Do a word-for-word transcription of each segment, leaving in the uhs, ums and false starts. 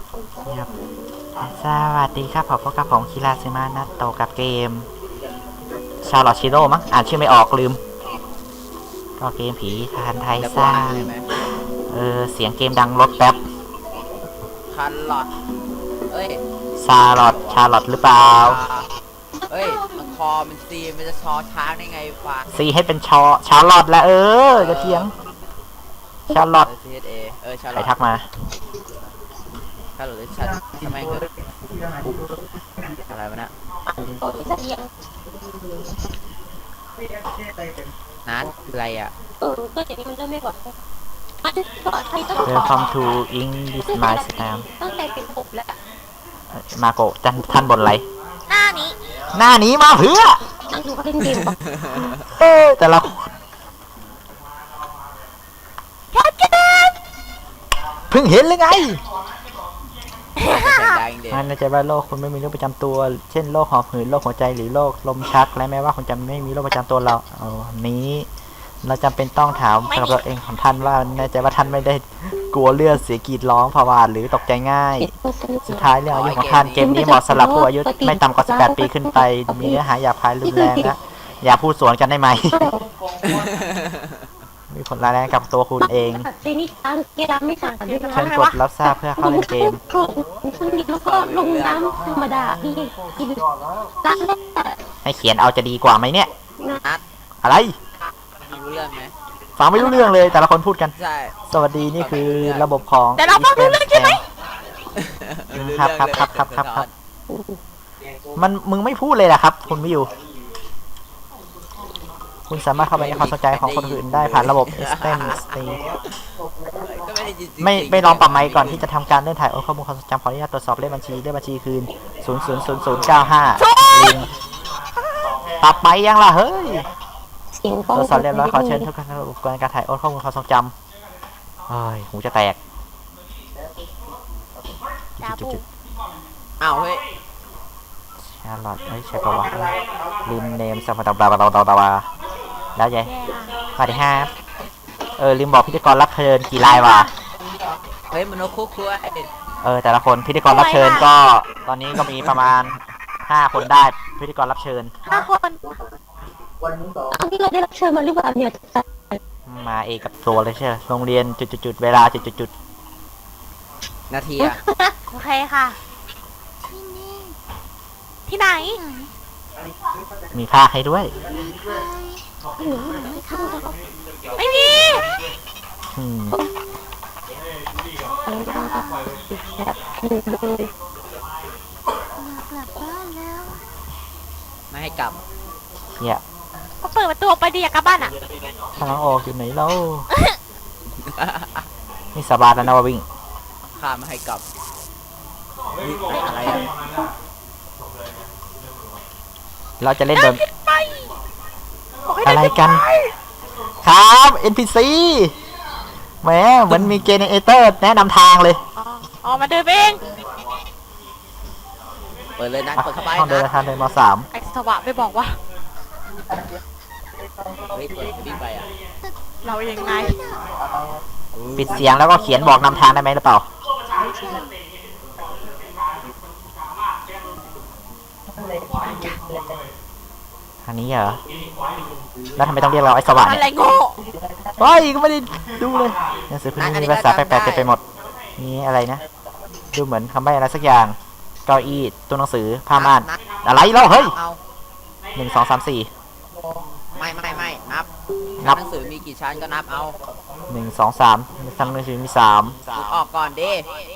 ครับสวัสดีครับผมพบกับผมคิราซึมะนัตโตกับเกมชาร์ลอตชิโร่มั้งอ่านชื่อไม่ออกลืมก็เกมผีทหารไทยสร้างเออเสียงเกมดังรถแป๊บคันหลอดเอ้ยชาร์ลอตชาร์ลอตหรือเปล่าเอ้ยมันคอมันซีมันจะชอช้างได้ไงวะซีให้เป็นชอชาร์ลอตแล้วเออจะเทียงชาร์ลอตเออชาร์ลใครอตทักมาชาร์ลอตหรือชัดทำไมเกิดอะไรวะเนี่ยนัดอะไรอ่ะเออก็อย่างนี้มันเริ่มไม่บอกเ Welcome to English My Slam ตั้งแต่เป็นผมแล้วมาโกะจันท่านบนไรหน้านี้หน้านี้มาเพื่อนั่งดูเขาเล่นเกมบอกเออแต่ละเพิ่งเห็นเลยไงมันน่าจะว่าโรคคุณไม่มีโรคประจำตัวเช่นโรคหอบหืดโรคหัวใจหรือโรคลมชักและแม้ว่าคุณจะไม่มีโรคประจำตัวเราเอานี้เราจำเป็นต้องถามกับตัวเองของท่านว่าแน่ใจว่าท่านไม่ได้กลัวเลือดเสียกรีดร้องภาวะหรือตกใจง่ายสุดท้ายเรื่องอายุของท่านเกมนี้เหมาะสำหรับผู้อายุไม่ต่ำกว่าสิบแปดปีขึ้นไปมีเนื้อหาหยาบคายรุนแรงนะอย่าพูดสวนกันได้ไหมมีผลร้ายแรงกับตัวคุณเองเจนี่ตังเกล้าไม่สั่งกันด้วยนะเชิญกดรับทราบเพื่อเข้าเล่นเกมแล้วก็ลงน้ำธรรมดาที่กินร้านแรกให้เขียนเอาจะดีกว่าไหมเนี่ยอะไรรู้เรื่องไหมฟังไม่รู้เรื่องเลยแต่ละคนพูดกันใช่สวัสดีนี่คือระบบของแต่เราฟังรู้เรื่องใช่ไหมครับครับครับครับครับครับมันมึงไม่พูดเลยนะครับคุณไม่อยู่คุณสามารถเข้าไปในความสนใจของคนอื่นได้ผ่านระบบ เอส ที อี เอ็ม เอส ที ไม่ไม่ลองปรับไมค์ก่อนที่จะทำการเลื่อนถ่ายโอนข้อมูลความทรงจำขออนุญาตตรวจสอบเลขบัญชีเลขบัญชีคืนศูนย์ ศูนย์ ศูนย์ ศูนย์ เก้า ห้าลิงปรับไปยังล่ะเฮ้ยตรวจสอบเรียบร้อยขอเชิญทุกท่านอุปกรณ์การถ่ายโอนข้อมูลความทรงจำเฮ้ยหูจะแตกจุดอ้าวเฮ้ยชาร์ลอตเฮ้ยใช่ปะวะลิมเนมสัมผัสบาบาบาบาบาบาแล้วยัยสวัสดีครับเออลืมบอกพิธีกรรับเชิญกี่รายวะเฮ้ยมโนคุกคุยเออแต่ละคนพิธีกรรับเชิญก็ตอนนี้ก็มีประมาณห้าคนได้พิธีกรรับเชิญห้าคนอันที่เราได้รับเชิญมาหรือเปล่าเนี่ยมาเอกับตัวเลยใช่ไหมโรงเรียนจุดๆเวลาจุดๆนาทีอะโอเคค่ะที่ไหนมีภาคให้ด้วยไม่มีไม่ให้กลับเนี่ยก็เปิดประตูไปดิอยากกลับบ้านอ่ะทางออกอยู่ไหนเล่านี่สบายแล้วนะว่าวิ่งข้าไม่ให้กลับอะไรเราจะเล่นแบบอะไรกันครับ เอ็น พี ซี แหมเหมือนมีเจเนเรเตอร์แนะนำทางเลยอ๋อมาเดินเองเปิดเลยนะเปิดเข้าไปห้องเดินทางเดินมาสามไอ้สวะไปบอกว่าเฮ้ยเปิดวิ่งไปอ่ะเรายังไงปิดเสียงแล้วก็เขียนบอกนำทางได้ไหมหรือเปล่าอันนี้เหรอแล้วทำไมต้องเรียกเราไอ้สว่างเนี่ยอะไรโง่เฮ้ยก็ไม่ได้ดูเลยหนังสือพิมพ์มีภาษาแปลกๆเต็มไปหมดนี่อะไรนะดูเหมือนคำใบ้อะไรสักอย่างเก้าอี้ตัวหนังสือผ้าม่านอะไรเล่าเฮ้ยหนึ่งสองสามสี่ไม่ไม่ไม่นับนับหนังสือมีกี่ชั้นก็นับเอาหนึ่งสองสามชั้นหนังสือมีสามออกก่อนดิ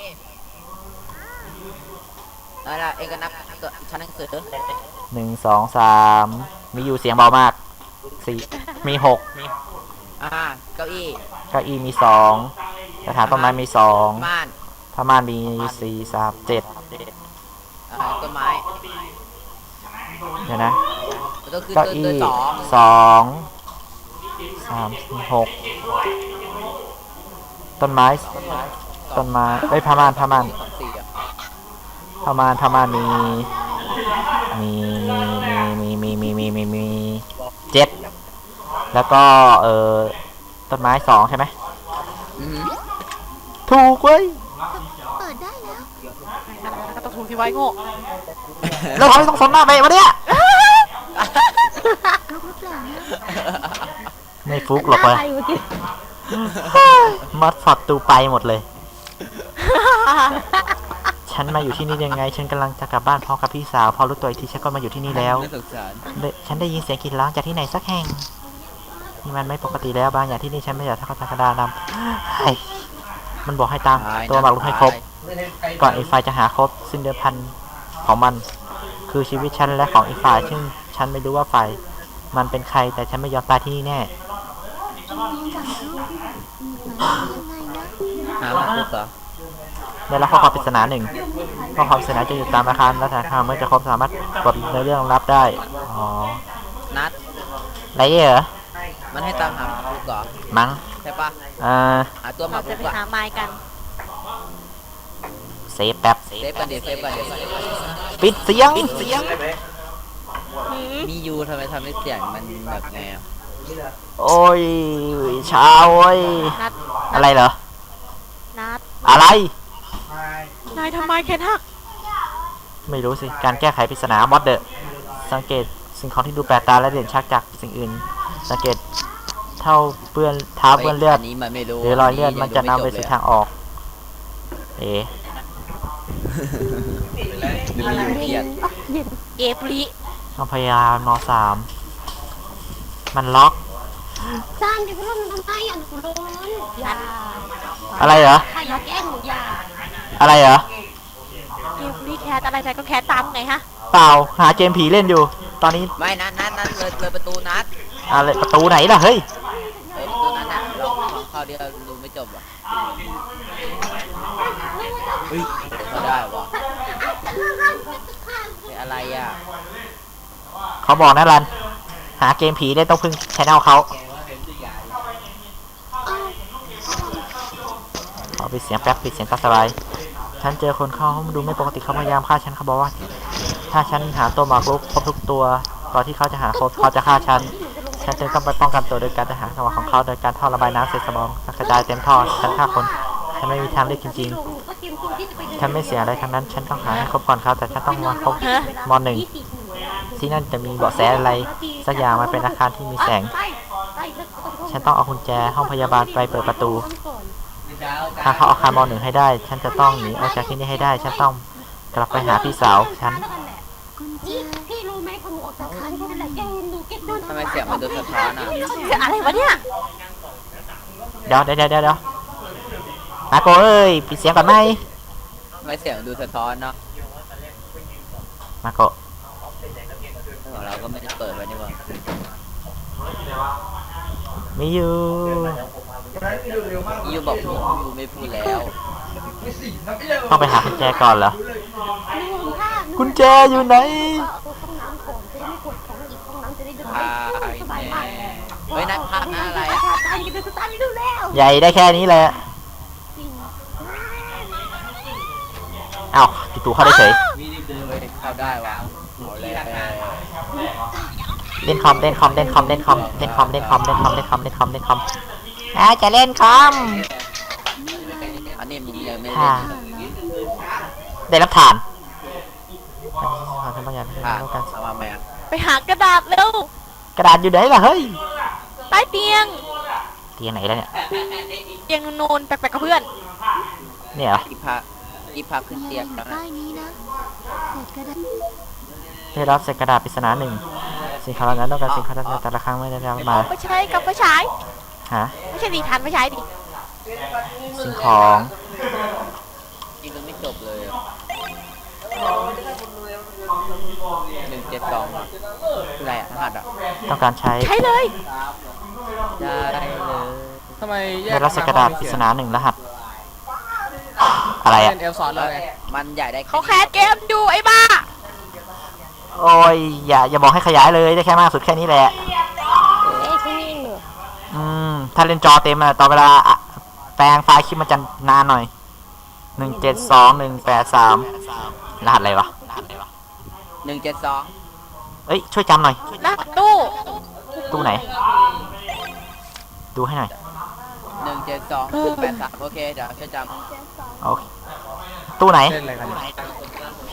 อะไรล่ะเองก็นับชั้นหนังสือหนึ่งสองสามมีอยู่เสียงเบามากสี่มีหกอ่าเก้าอี้เก้าอี้มีสองกระถางต้นไม้มีสองม่านผ้าม่านมีสี่สามเจ็ดต้นไม้เดี๋ยวนะเก้าอี้สองสามหกต้นไม้ต้นไม้เอ้ยผ้าม่านผ้าม่านผ้าม่านผ้าม่านมีมีมีมีมีมีมีมีเจ็ดแล้วก็เออต้นไม้สองใช่ไหมถูกเว้ยได้แล้วก็ต้องถูกที่ไว้โง่แล้วเราไม่ต้องสนหน้าไปวะเนี่ยลูกหรือเปล่าเนี่ยไม่ฟุกหรอกเว้ยอะไรเมื่อกี้มัดฟอดตูไปหมดเลย ฉันมาอยู่ที่นี่ยังไง ฉันกำลังจะกลับบ้านพร้อมกับพี่สาวพอรู้ตัวอีกทีฉันก็มาอยู่ที่นี่แล้วไม่สงสารได้ฉันได้ยินเสียงกรีดร้องจากที่ไหนสักแห่งนี่มันไม่ปกติแล้วบางอย่างที่นี่ฉันไม่อยากทำกระดานำเฮ้ยมันบอกให้ตามตัวหมากรุกให้ครบ ก่อนอีกฝ่ายจะหาครบซึ่งเดิมพันของมัน คือชีวิตฉันและของอีกฝ่ายซึ่งฉันไม่รู้ว่าฝ่ายมันเป็นใครแต่ฉันไม่ยอมตายที่นี่แน่หาหมาคุกเหรอได้รับข้อความปริศนาหนึ่งข้อความปริศนาจะอยู่ตามอาคารและธนาคารเมื่อจะครบสามารถกดในเรื่องรับได้อ๋อนัดไรเหรอมันให้ตามหาหมาคุกเหรอมั้งใช่ปะอ่าหาตัวหมาเราคุจะกไปอะหาไม้กันเซฟแป๊บเซฟกันดิเซฟกันดิปิดเสียงปิดเสียงหืมมียูทำไมทำให้เสียงมันแบบไงอะโอ้ยเช้าโอ้ยนัดอะไรเหรอนัดอะไรนายทำไมแขนหักไม่รู้สิ การแก้ไขปริศนาบอสเดอร์สังเกตสิ่งของที่ดูแปลกตาและเด่นชัดจากสิ่งอื่น สังเกตเท่าเปื้อนเท้าเปื้อนเลือดนนี้มันไม่รู้หรือรอยเลือดมันจะนำไปสู่ทางออก เอ๋หรือมีอยู่เครียดเอฟลิต้องพยายามนสามมันล็อกจานเดี๋ยวเราทำไมอ่ะหนูร้อนอย่าอะไรเหรอถ้าอยากแกล้งหนูอย่าอะไรเหรอเอฟลิแคสอะไรนายก็แคสตามไงฮะเปล่า หาเกมผีเล่นอยู่ ตอนนี้ไม่นัดนัดนัดเลยเลยประตูนัดอะไรประตูไหนล่ะ เฮ้ยเออประตูนั้นน่ะเราเข้าเดียวดูไม่จบอ่ะเฮ้ยเขาได้วะเป็นอะไรอ่ะเขาบอกนะรัน หาเกมผีได้ต้องพึ่งชแนลเขาขอปิดเสียงแป๊บปิดเสียงตาสบาย ฉันเจอคนเข้าห้องดูไม่ปกติเขาพยายามฆ่าฉันเขาบอกว่า ถ้าฉันหาตัวหมากรุกครบทุกตัวก่อนที่เขาจะหาครบเขาจะฆ่าฉัน ฉันจึงต้องไปป้องกันตัวโดยการจะหาจังหวะของเขาโดยการท่อระบายน้ำเศษสมองกระจายเต็มท่อฉันฆ่าคน ฉันไม่มีทางเลือกจริงๆ ฉันไม่เสียอะไรทั้งนั้น ฉันต้องหาให้ครบก่อนเขาแต่ฉันต้องมาครบมหนึ่งที่นั่นจะมีเบาะแสอะไรสักอย่างมันเป็นอาคารที่มีแสง ฉันต้องเอากุญแจห้องพยาบาลไปเปิดประตู ถ้าเขาเอาอาคารมหนึ่งให้ได้ ฉันจะต้องหนีออกจากที่นี่ให้ได้ ฉันต้องกลับไปหาพี่สาวฉันพี่รู้ไหมพอหนูออกจากคันเขาเป็นไรแกหนูเก็ตโดนทำไมเสียงมันดูสะท้อนอ่ะเกิดอะไรวะเนี่ยเดี๋ยวเดี๋ยวเดี๋ยวเดี๋ยวอาโกเอ้ยปิดเสียงก่อนไหมทำไมเสียงดูสะท้อนเนาะมาโกของเราก็ไม่ได้เปิดไว้นี่หว่ามีอยู่ยูบอกยูไม่พูดแล้วต้องไปหากุญแจก่อนเหรอลืมค่ะกุญแจอยู่ไหนห้องน้ำก่อนจะได้ไม่ปวดท้องอีกห้องน้ำจะได้เดินพาสบายมากเฮ้ยนัดพาหน้าอะไรอ่ะตายกันสตาร์ทดูแล้วใหญ่ได้แค่นี้แหละอ้าวจู่ๆเข้าได้เฉยเข้าได้วะเอาเลยเล่นคอมเล่นคอมเล่นคอมเล่นคอมเล่นคอมเล่นคอมเล่นคอมเล่นคอมเล่นคอมเล่นคอมอ่าจะเล่นคอมอันนี้มึงยังไม่ค่ะเล่นได้รับฐานอันนี้ขอทำบางอย่างให้ผ่านเรากันเอามาแม่ไปหากระดาษเร็วกระดาษอยู่ไหนล่ะเฮ้ยใต้เตียงเตียงไหนแล้วเนี่ยเตียงนูนๆแปลกๆกับเพื่อนเนี่ยเหรออีพาอีพาขึ้นเตียงแล้วนะใต้นี้นะเสร็จก็ได้ได้รับเศษกระดาษปริศนาหนึ่งสิ่งของเหล่านั้นต้องการสิ่งของแต่ละครั้งไม่ได้รับมาไปใช้กับไปใช้ฮะไม่ใช่ดีทันไปใช้ดิสิ่งของจริงมันไม่จบเลยหนึ่งเจ็ดสองอ่ะคืออะไรอ่ะรหัสอ่ะต้องการใช้ใช้เลยได้เลยทำไมแยได้กรับเศษกระดาษปริศนาหนึ่งรหัสอะไรอ่ะเป็นเอลซอนเลยมันใหญ่ได้เขาแคสเกมอยู่ไอ้บ้าโอ้ยอย่าอย่าบอกให้ขยายเลยได้แค่มากสุดแค่นี้แหละเอ๊ะที่นี่เหรออืมถ้าเล่นจอเต็มอะตอนเวลาอะแปลงไฟล์คลิปมันจะนานหน่อยหนึ่งเจ็ดสองหนึ่งแปดสามรหัสอะไรวะหนึ่งเจ็ดสองเอ้ยช่วยจำหน่อยนะตู้ตู้ไหน ดูให้หน่อยหนึ่งเจ็ดสองแปดสามโอเคเดี๋ยวช่วยจำโอเคตู้ไหนเล่นอะไรกันเนี่ยผี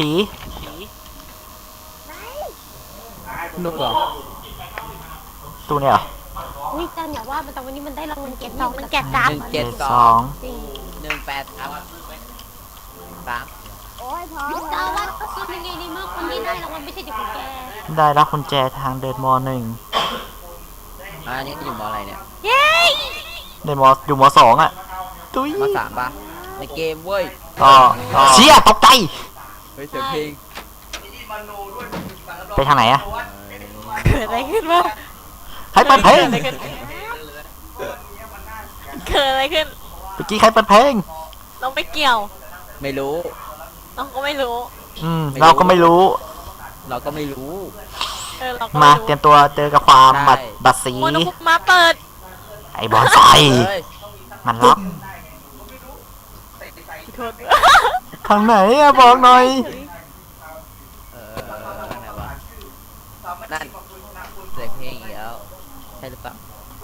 นุกเหรอตู้เนี่ยเหรออุ้ยจันอย่าว่ามันแต่วันนี้มันได้รางวัลเก็บสองมันแกะกราฟหนึ่งเจ็ดสสออง งจริงหนึ่งแปดครับสามจะเอาว่าก็คือยังไงในเมื่อคนที่ได้รางวัลไม่ใช่เด็กของแกได้รับกุญแจทางเดินมหนึ่งอันนี้อยู่มออะไรเนี่ยเย้เดินมอยู่มสองอ่ะตุ้ยมสามปะในเกมเว้ยต่อเชี่ยตกใจเฮ้ยเสียงเพลงไปทางไหนอ่ะเกิดอะไรขึ้นวะใครเปิดเพลงเกิดอะไรขึ้นเมื่อกี้ใครเปิดเพลงเราไม่เกี่ยวไม่รู้เราก็ไม่รู้อืมเราก็ไม่รู้เราก็ไม่รู้เออเราก็มาไม่เตรีรู้ยมตัวเจอกับความใช่บัดบัดสีโมโนคุมาเปิดไอ้บอลไฟเฮ้ยมันล็อกโทษทางไหนอะบอกหน่อยเออทางไหนวะนั่นเสียงเพลงอีกแล้วใช่หรือเปล่า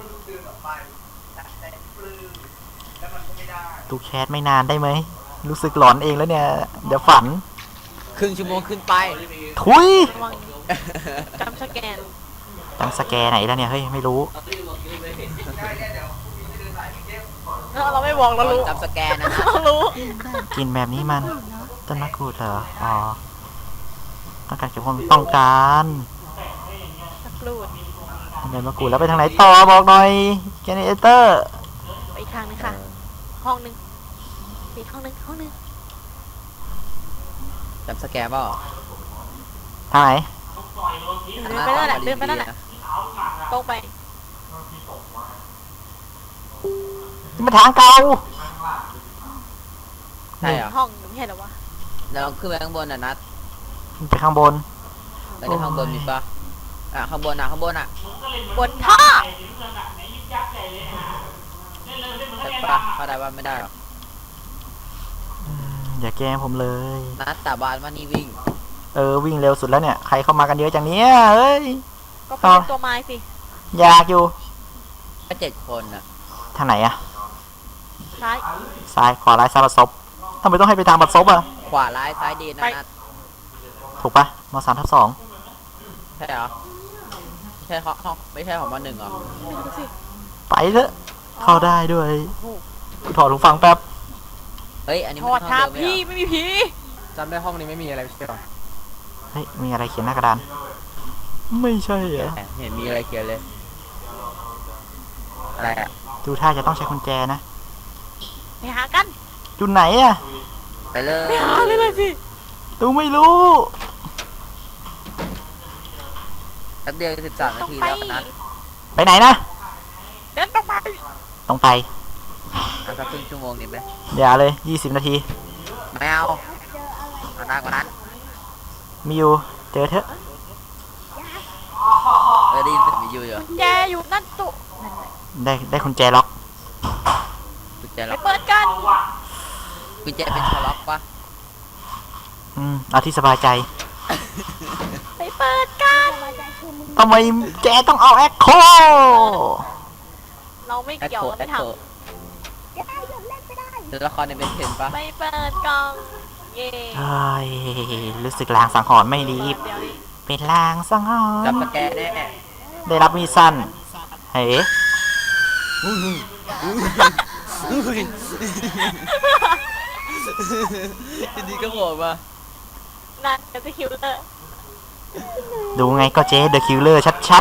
ดูแคสไม่นานได้ไหมรู้สึกหลอนเองแล้วเนี่ย เดี๋ยวฝันครึ่งชั่วโมงขึ้นไปทุยระวังจำสแกนจำสแกนไหนแล้วเนี่ยเฮ้ยไม่รู้เออเราไม่บอกเรารู้จำสแกนนะนะเรารู้กินแบบนี้มันต้นมะกรูดเหรออ๋อต้องการเก็บความต้องการสักรูดเดินมะกรูดแล้วไปทางไหนต่อบอกหน่อยเจเนเรเตอร์ไปอีกทางนึงค่ะ ห้องนึงอีกห้องนึงห้องนึงจำสแกนเปล่าทางไหนเดินไปนั่นแหละเดินไปนั่นแหละตรงไปนี่มันทางเก่าใช่เหรอห้องไม่ใช่เหรอวะเราขึ้นไปข้างบนน่ะนัดไปข้างบนแล้วในข้างบนมีปะอ่ะข้างบนอ่ะข้างบนอ่ะบนท่อแต่ปะเข้าได้ว่าไม่ได้หรอกอย่าแกล้งผมเลยนัดสาบานว่านี่วิ่งเออวิ่งเร็วสุดแล้วเนี่ยใครเข้ามากันเยอะจังเนี้ยเอ้ยก็เป็นตัวไม้สิอยากอยู่ก็เจ็ดคนอ่ะทางไหนอะซ้ายซ้ายขวาร้ายซ้ายบัดซบทำไมต้องให้ไปทางบัดซบอะขวาร้ายซ้ายดีนะนัดถูกปะมสามทับสองใช่เหรอใช่ห้องห้องไม่ใช่ของมหนึ่งเหรอไม่รู้สิไปเถอะเข้าได้ด้วยกูถอดหูฟังแป๊บเฮ้ยอันนี้ถมันอดห้องทาเดิมไหมพี่เหรอไม่มีผีจำได้ห้องนี้ไม่มีอะไรใช่หรอเฮ้ยมีอะไรเขียนหน้ากระดานไม่ใช่เหรอเห็นมีอะไรเขียนเลยอะไรอ่ะดูท่าจะต้องใช้กุญแจนะไปหากันจุดไหนอะไปเลยไปหาเลยเลยสิดูไม่รู้แป๊บเดียวสิบสามนาต้องทีไปแล้วนัดไปไหนนะเดินต้องไปต้องไปเอาสักครึ่งชั่วโมงนี่ไหมอย่าเลยยี่สิบนาทีไม่เอาเอานานกว่านั้นมีอยู่เจอเถอะเออได้ยินเสียงวิทยุอยู่แจอยู่นั่นตุนั่นแหละได้ได้กุญแจล็อกกุญแจไปล็อกเปิดกันกุญแจเป็นชอล็อกปะอืมเอาที่สบายใจไปเปิดกันทำไมแจต้องเอาแอคโคเราไม่แอคเกี่ยวโคเราแอไม่คทโคตัวละครในเป็นเทนปะำไปเปิดกล่องเย่เฮ้ยรู้สึกลางสังหรณ์ไม่ดีเดี๋ยวนี้เป็นลางสังหรจับณ์สแกนแน่ได้รับมีดสั้นเฮ้ยทีนี้ก็โผล่มานั่นจะคิวเลอร์ดูไงก็เจ๊เดอะคิลเลอร์ชัด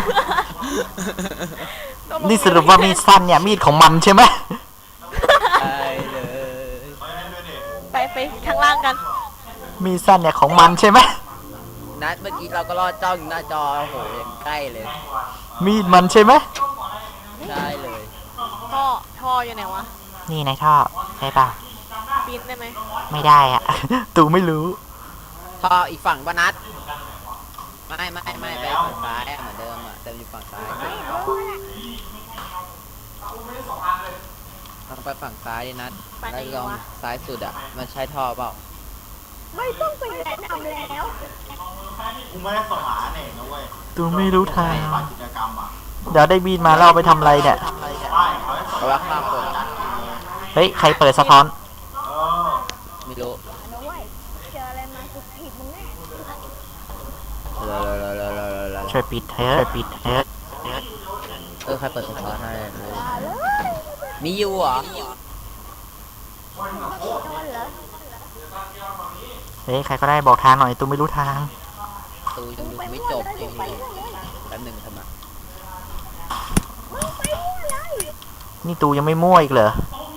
ๆ นี่สรุปว่ามีดสั้นเนี่ยมีดของมันใช่ไหมไปเลยไปไปข้างล่างกันมีดสั้นเนี่ยของมันใช่ไหมนัดเมื่อกี้เราก็รอดจ้องอยู่หน้าจอโอ้โหยังใกล้เลยมีดมันใช่ไหมใช่เลยท่อท่ออยู่ไหนวะนี่ในท่อใช่ป่ะปีนได้ไหมไม่ได้อะ ตูไม่รู้พออีกฝั่งปะนัดไม่ไม่ไม่ไปฝั่งซ้ายอะเหมือนเดิมอ่ะแต่อยู่ฝั่งซ้ายลองไปฝั่งซ้ายดินัดไปไหนแล้วลองวะซ้ายสุดอ่ะมันใช้ท่อเปล่าไม่ต้องไปแนะนำแล้วกูไม่ได้สมานเองนะเว้ยตูไม่รู้ทางฝ่ายกิจกรรมอ่ะเดี๋ยวได้มีดมาแล้วเอาไปทำอะไรเนี่ยไม่เขาให้เพราะว่าข้ามคนเฮ้ยใครเปิดสะท้อนเออไม่รู้นะเว้ยเจออะไรมาสุดผิดมึงแน่ช่วยปิดเถอะช่วยปิดเถอะเออใครเปิดสะท้อนให้มีอยู่เหรอเฮ้ยใครก็ได้บอกทางหน่อยตูไม่รู้ทางตูยังดูไม่จบจริงแป๊บหนึ่งทำไมนี่ตูยังไม่มั่วอีกเหรอ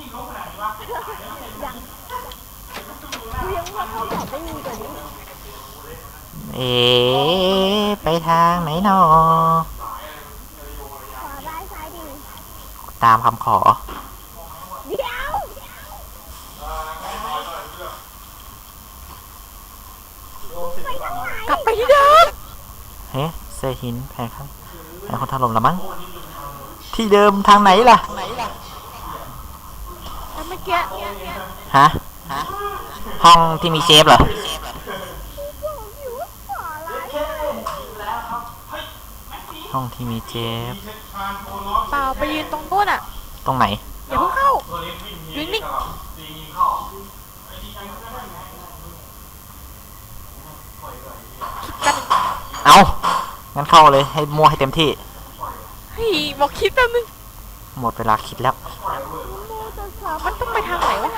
เอ๋ไปทางไหนหนอ ตามคำขอกลับไปที่เดิมเฮ้เซหินแผงครับแผงคนถล่มละมั้ง ที่เดิมทางไหนล่ะแล้วเมื่อกี้ฮะ ห้องที่มีเชฟเหรอ ห้องที่มีเชฟเปล่าไปยืนตรงโน้นอ่ะตรงไหนอย่าเพิ่งเข้ายืนนิ่งคิดกันเอางั้นเข้าเลยให้มั่วให้เต็มที่เฮ้ยบอกคิดแป๊บนึงหมดเวลาคิดแล้วมันต้องไปทางไหนวะ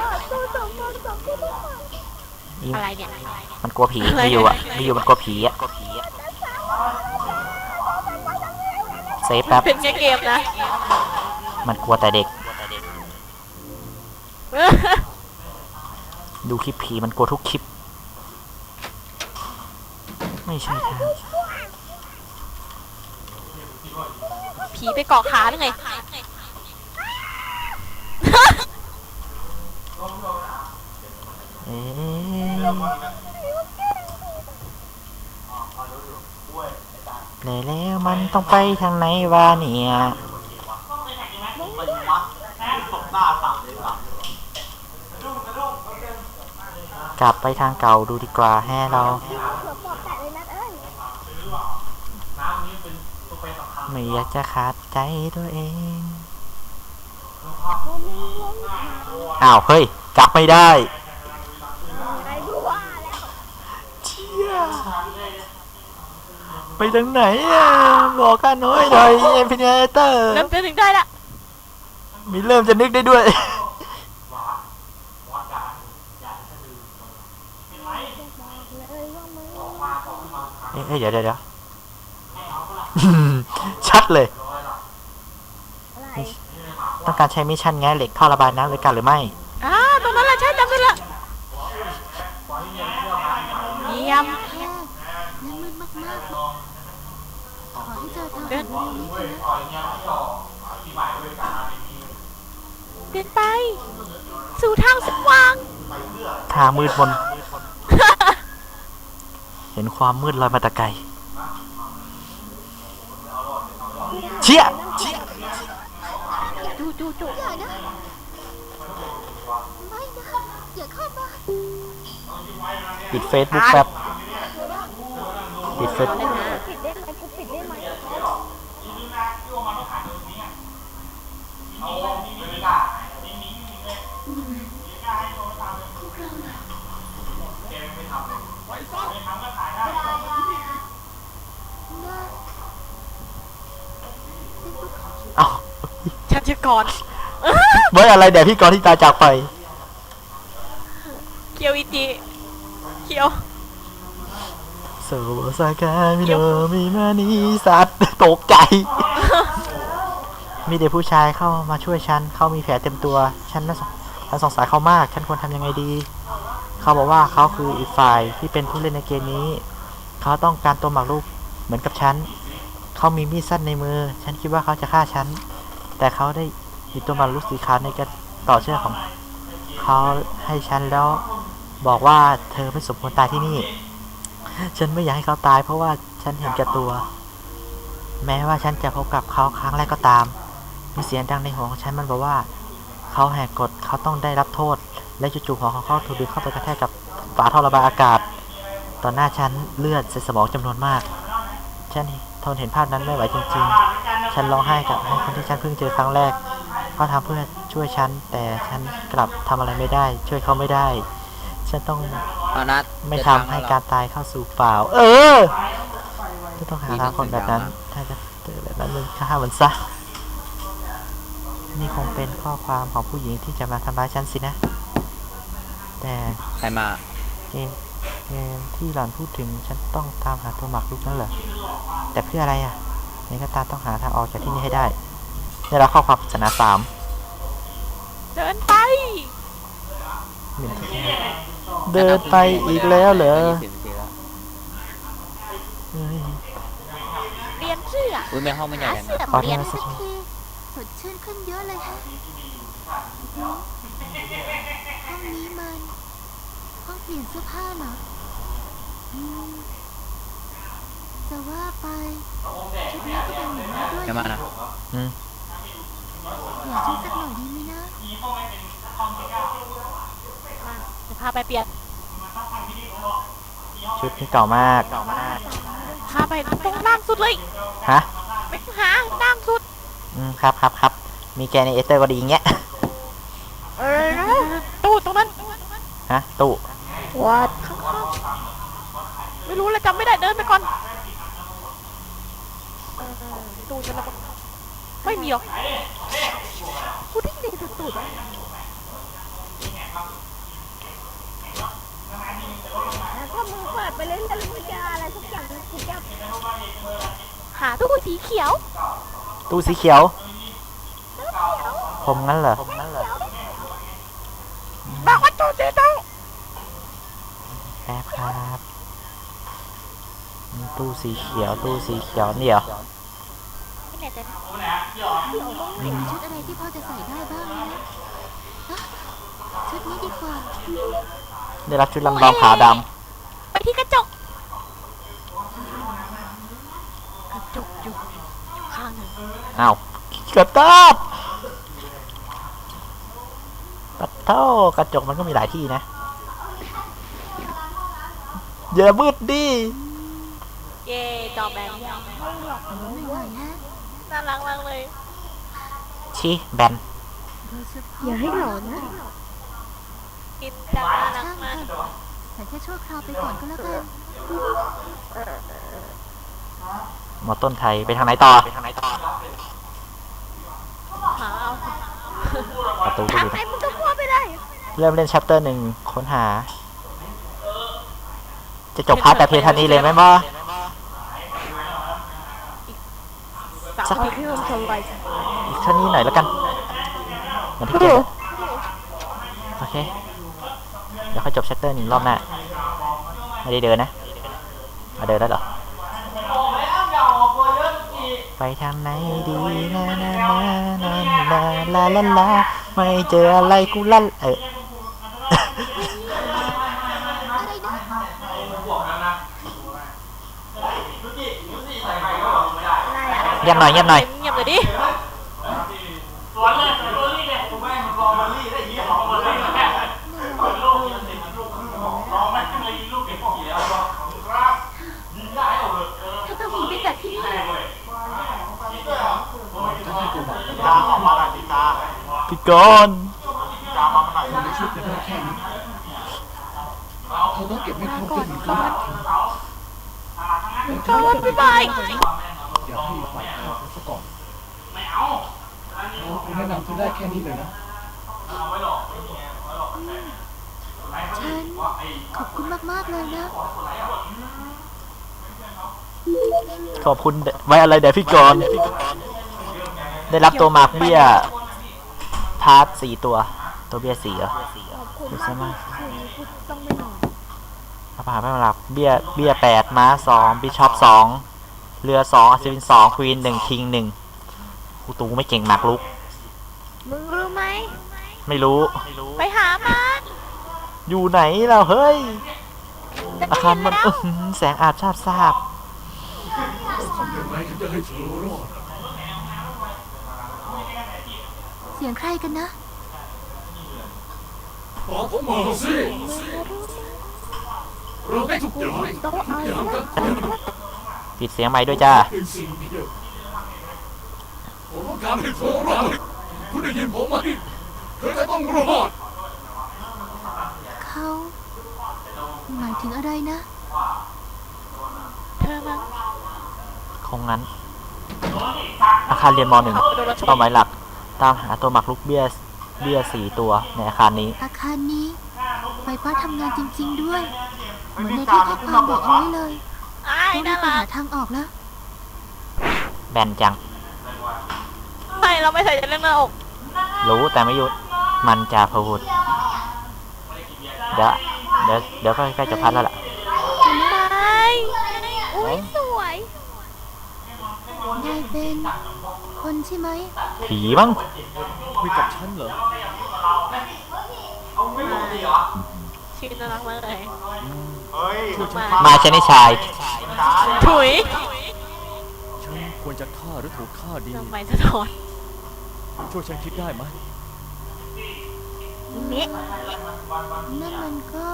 อีอะไรเนี่ยมันกลัวผีไม่อยู่อ่ะไม่อยู่มันกลัวผีอ่ะ เซฟแป๊บเป็นแค่เกมนะมันกลัวแต่เด็ก ดูคลิปผีมันกลัวทุกคลิป ไม่ใช่ทางผีไปเกาะขาหรือไงเอ๊ะแล้วมันต้องไปทางไหนวะเนี่ย กลับไปทางเก่าดูดีกว่าแฮ่เรา ไม่อยากจะขาดใจตัวเอง อ้าว เฮ้ย กลับไม่ได้เชี่ยไปทางไหนอ่ะ บอกกันหน่อยหน่อยเอ็มพีเนเตอร์เริ่มจะถึงได้ละมีเริ่มจะนึกได้ด้วย เอ้ยเดี๋ยวเดี๋ยวเดี๋ยว ชัดเลย ต้องการใช้มิชชั่นแง่เหล็กท่อระบายน้ำเลยกันหรือไม่อ่าตรงนั้นแหละใช่จำได้ละเยี่ยมนั่นมืดมากๆขอให้เจอทางเดินนี้เถอะเดินไป สู่ทางสว่างทางมืดมน เห็นความมืดลอยมาแตะไกลเชี่ยจูจูจูอย่านะไม่นะอย่าเข้ามาปิดเฟซบุ๊กแป๊บ ปิดเฟซปิดได้ไหมกูปิดได้ไหมเอ้าฉันจะก่อนเมื่ออะไรเดี๋ยวพี่กรณ์ที่ตายจากไปเคียวอีจีเคียวโซซากามิโนมิมานิสัตว์ตกใจ มีเด็กผู้ชายเข้ามาช่วยฉัน เขามีแผลเต็มตัว ฉันน่าสงฉันสงสารเขามาก ฉันควรทำยังไงดี เขาบอกว่าเขาคืออีกฝ่ายที่เป็นผู้เล่นในเกมนี้ เขาต้องการตัวหมากรุกเหมือนกับฉัน เขามีมีดสั้นในมือ ฉันคิดว่าเขาจะฆ่าฉัน แต่เขาได้หยิบตัวหมากรุกสีขาวในกระต่อเชือกของเขาให้ฉันแล้วบอกว่าเธอไม่สมควรตายที่นี่ ฉันไม่อยากให้เขาตายเพราะว่าฉันเห็นแก่ตัว แม้ว่าฉันจะพบกับเขาครั้งแรกก็ตาม มีเสียงดังในหัวของฉันมันบอกว่า เขาแหกกฎเขาต้องได้รับโทษ และจู่ๆหัวของเขาถูกดึงเข้าไปกระแทกกับฝาท่อระบายอากาศตอนหน้าฉันเลือดในสมองจำนวนมาก ฉันทนเห็นภาพนั้นไม่ไหวจริงๆ ฉันร้องไห้กับให้คนที่ฉันเพิ่งเจอครั้งแรกเขาทำเพื่อช่วยฉันแต่ฉันกลับทำอะไรไม่ได้ ช่วยเขาไม่ได้ ฉฉันต้องเอานัดไม่จะทำงให้แล้วการตายเข้าสู่เปล่า เออจะต้องหาทางคนแบบนั้น ถ้าจะเจอแบบนั้นมึงฆ่ามันซะ นี่คงเป็นข้อความของผู้หญิงที่จะมาทำร้ายฉันสินะ แต่ใครมาเกมเกมที่หล่อนพูดถึงฉันต้องตามหาตัวหมากรุกนั่นเหรอ แต่เพื่ออะไรอ่ะนี่ก็ตามต้องหาทางออกจากที่นี่ให้ได้ได้รับข้อความปริศนาสามเดินไปเหม็นที่เดินไปอีกแล้วเหรอยี่สิบนาทีแล้วเฮ้ยเรียนเสื้ออุ้ยแม่ห้องไม่ใหญ่หากันเสื้อนะขอเรีเรียยนนสักทีสดชื่นขึ้นเยอะเลยฮะห้องนี้มันห้องเปลี่ยนเสื้อผ้าเหรออืมจะว่าไปชุดนี้ก็เป็นอย่างนี้ด้วยจะมานะอืมอยากชุดสักหน่อยดีไหมนะจะพาไปเปลี่ยนชุดนี้เก่ามากพาไปตรงล่างสุดเลยฮะไปหาล่างสุดอืมครับครับครับมีแกในเอสเตอร์ก็ดีอย่างเงี้ยเออตู้ตรงนั้นฮะตู้วัดข้างๆไม่รู้เลยจำไม่ได้เดินไปก่อนเออตู้ฉันแล้วก็ไม่มีหรอกกูได้ยินตุดถ้ามึงเปิดไปเล่นแล้วมึงจะอะไรสักอย่างกูจะหาตู้สีเขียวตู้สีเขียว ผมงั้นเหรอบอกว่าตู้สีเขียวแป๊บครับอืมตู้สีเขียว ตู้สีเขียวเนี่ยเหรอไม่แน่ใจนะมีชุดอะไรที่พอจะใส่ได้บ้างไหมนะอ่ะชุดนี้ดีกว่าได้รับชุดลำลองขาวดไปที่กระจกกระจกอยู่อยู่ข้างหนึ่งำอ้าวกระตับปัดเท่ากระจกมันก็มีหลายที่นะอย่ามืดดิเย่จอแบนไม่ไหวฮะน่ารักมากเลยชิแบนโดยเฉพาะอย่าให้หลอนนะกินจังน่ารักช่างมากเถอะแต่แค่ชั่วคราวไปก่อนก็แล้วกันหมอต้นไทยไปทางไหนต่อไปทางไหนต่อหาเอาประตูก็ทางอยู่ไหนนะมึงก็พัวไปได้เริ่มเล่นชัปเตอร์หนึ่งค้นหา จะจบพาร์ทแต่เพียงเท่านี้เลยไหมบ่สัสักกทีที่มันทำไรอีกเท่านี้หน่อยแล้วกันเหมือนที่เกมโอเค เดี๋ยวค่อยจบชัปเตอร์หนึ่งรอบหน้า ไม่ได้เดินนะมาเดินแล้วเหรอ ไปทางไหนดีนะนะนะนะนะลาลาลาไม่เจออะไรกูลั่นเออ เงียบหน่อยเงียบหน่อยเงียบเลยดิถ้าต้องหนีไปจากที่นี่ตาออกมาหน่อยดิตาพี่กรณ์ตามาหน่อยเขาต้องเก็บให้ครบก่อนที่ก่อนก่อนบ๊ายบายอย่าให้ฝ่ายเขาซะก่อนเขาคุณแนะนำคุณได้แค่นี้เลยนะฉันขอบคุณมากๆเลยนะขอบคุณไว้อะไรเดี๋ยวพี่กรณ์ได้รับตัวหมากเบี้ยพาร์ทสี่ตัว ตัวเบี้ยสี่เหรอดูซะมากพระมหาไม่มาหลับเบี้ยเบี้ยแปดม้าสองบิชอปสองเรือสองอัศวินสองควีนหนึ่งคิงหนึ่งกูตูไม่เก่งหมากลุกมึงรู้ไหมไม่รู้ไปหามันอยู่ไหนเราเฮ้ยจะอาได้คารยินมันแล้วอื้อหือแสงอาบชาบทราบยังไงถึงจะให้เธอรอดเสียงใครกันนะบอกผมมาสิเราได้ทุกอย่างทุกอย่างกันปิดเสียงไม้ด้วยจ้าเป็นสิ่งเดียวผมต้องการให้เธอรอดคุณได้ยินผมไหมเธอจะต้องรอดเขาหมายถึงอะไรนะเธอมั้งคงงั้น อาคารเรียนมหนึ่งเป้าหมายหลัก ตามหาตัวหมากรุกเบี้ยเบี้ยสี่ตัวในอาคารนี้อาคารนี้ไฟฟ้าทำงานจริง ๆ ด้วย เหมือนในที่ข้อความบอกเอาไว้เลยไอ้ายต้องรีน่าบไปรัหาก ทางออกแล้วแบนจังไม่เราไม่ใส่ใจเรื่องหน้าอกรู้แต่ไม่หยุด มันจะพูดเดี๋ยวเดี๋ยวเดี๋ยวก็ใกล้จะพัดแล้วล่ะไม่อุ้ยสวยนายเป็นคนใช่ไหมผีมั้งคุยกับฉันเหรอชื่อน่ารักมากเลยเฮ้ยมาชนิชายถุยฉันควรจะฆ่าหรือถูกฆ่าดีทำไมสะท้อนช่วยฉันคิดได้ไหมเนี่ยนั่นมันก็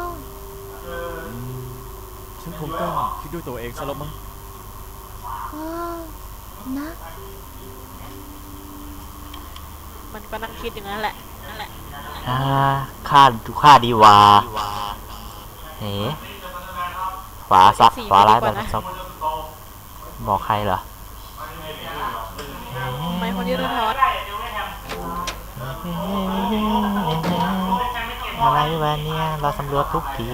ฉันคงต้องคิดด้วยตัวเองซะแล้วมั้งก็นะมันก็นั่งคิดอย่างนั้นแหละนั่นแหละอ่าค่าดูค่าดีวาเอ๋ขวาซับขวาร้ายแบบซับบอกใครเหรอทำไมคนที่สะท้อนอะไรวะเนี่ยเราสำรวจทุกที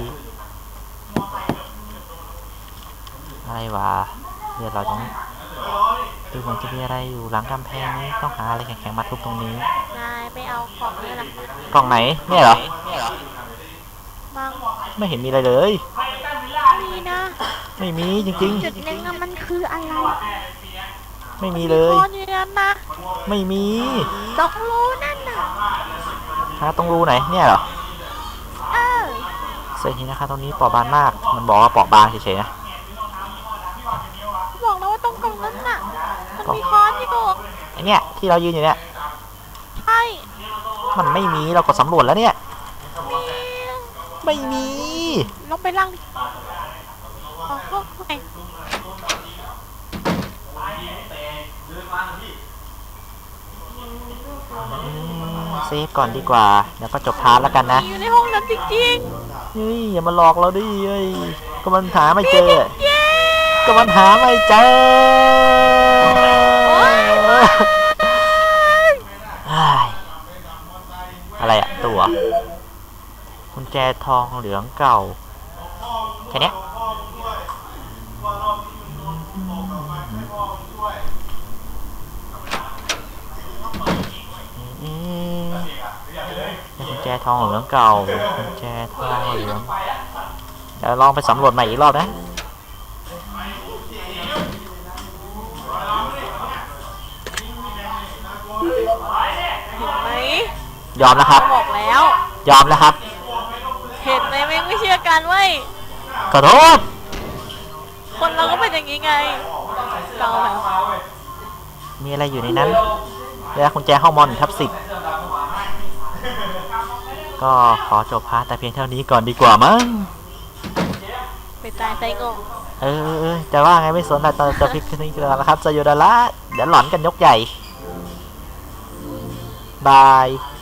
อะไรวะเดี๋ยวเราต้องดูเหมือนจะมีอะไรอยู่หลังกำแพงนี้ต้องหาอะไรแข็งๆมาทุบตรงนี้นายไม่เอาของเลยล่ะกล่องไหนเนี่ยเหรอมังไม่เห็นมีอะไรเลยมีนะไม่มีจริงจุดหนึ่งอะมันคืออะไรๆ ไม่มีเลยคอนอยู่นั้นนะไม่มีดอกรูนั่นน่ะหาตรงรูไหนเนี่ยเหรอเออเส้นนี้นะคะตรงนี้เปราะบางมากมันบอกว่าเปราะบางเฉยๆนะบอกแล้วว่าตรงกล่องนั้นน่ะ มันมีคอนอยู่ไอเนี่ยที่เรายืนอยู่เนี่ยใช่มันไม่มีเราก็สำรวจแล้วเนี่ยมีไม่มีลงไปล่างดิอ๋อก็ไงอืมเซฟก่อนดีกว่าเดี๋ยวก็จบพาร์ทแล้วกันนะอยู่ในห้องนั้นจริงเฮ้ยอย่ามาหลอกเราดิเฮ้ยก็มันหาไม่ๆเจอเย้ก็มันหาไม่เจอเฮ้ยอะไรอะตัวกุญแจทองเหลืองเก่าแค่เนี้ยอืมกุญแจทองเหลืองเก่ากุญแจทองเหลืองเดี๋ยวลองไปสำรวจใหม่อีกรอบนะเห็นไหมยอมแล้วครับบอกแล้วยอมแล้วครับเห็นไหมไม่ไม่เชื่อกันเว้ยขอโทษคนเราก็เป็นอย่างนี้ไงเราแบบมีอะไรอยู่ในนั้นเวลากุญแจห้องมอนทับสิบก็ขอจบพาร์ทแต่เพียงเท่านี้ก่อนดีกว่ามั้งไปตายใจงงเออเออเออจะว่าไงไม่สนแต่จะจะพิกนี้กันแล้วนะครับจะอยู่ดาละเดี๋ยวหลอนกันยกใหญ่บาย